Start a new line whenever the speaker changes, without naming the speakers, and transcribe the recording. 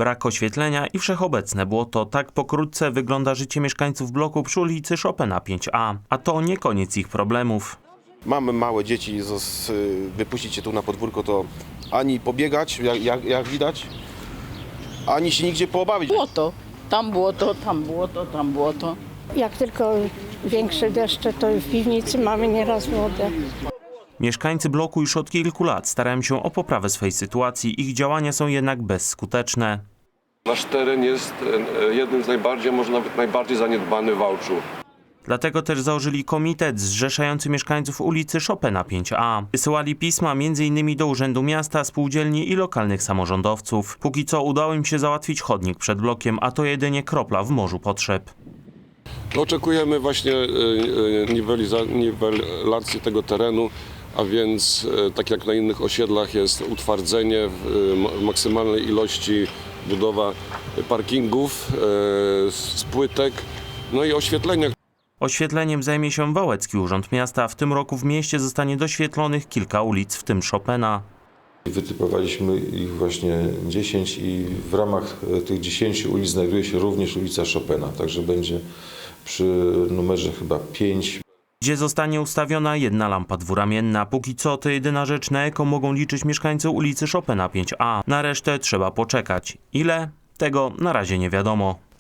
Brak oświetlenia i wszechobecne błoto. Tak pokrótce wygląda życie mieszkańców bloku przy ulicy Chopina 5A. A to nie koniec ich problemów.
Mamy małe dzieci, wypuścić je tu na podwórko to ani pobiegać, jak widać, ani się nigdzie poobawić.
Błoto, tam błoto, tam błoto, tam błoto.
Jak tylko większe deszcze, to w piwnicy mamy nieraz wodę.
Mieszkańcy bloku już od kilku lat starają się o poprawę swojej sytuacji. Ich działania są jednak bezskuteczne.
Nasz teren jest jednym z najbardziej, może nawet najbardziej zaniedbany w Wałczu.
Dlatego też założyli komitet zrzeszający mieszkańców ulicy Chopina 5A. Wysyłali pisma m.in. do Urzędu Miasta, spółdzielni i lokalnych samorządowców. Póki co udało im się załatwić chodnik przed blokiem, a to jedynie kropla w morzu potrzeb.
Oczekujemy właśnie niwelacji tego terenu, a więc tak jak na innych osiedlach jest utwardzenie w maksymalnej ilości, budowa parkingów, z płytek, no i oświetlenia.
Oświetleniem zajmie się Wałecki Urząd Miasta. W tym roku w mieście zostanie doświetlonych kilka ulic, w tym Chopina.
Wytypowaliśmy ich właśnie 10 i w ramach tych 10 ulic znajduje się również ulica Chopina, także będzie przy numerze chyba 5.
Gdzie zostanie ustawiona jedna lampa dwuramienna. Póki co to jedyna rzecz, na jaką mogą liczyć mieszkańcy ulicy Chopina 5A. Na resztę trzeba poczekać. Ile? Tego na razie nie wiadomo.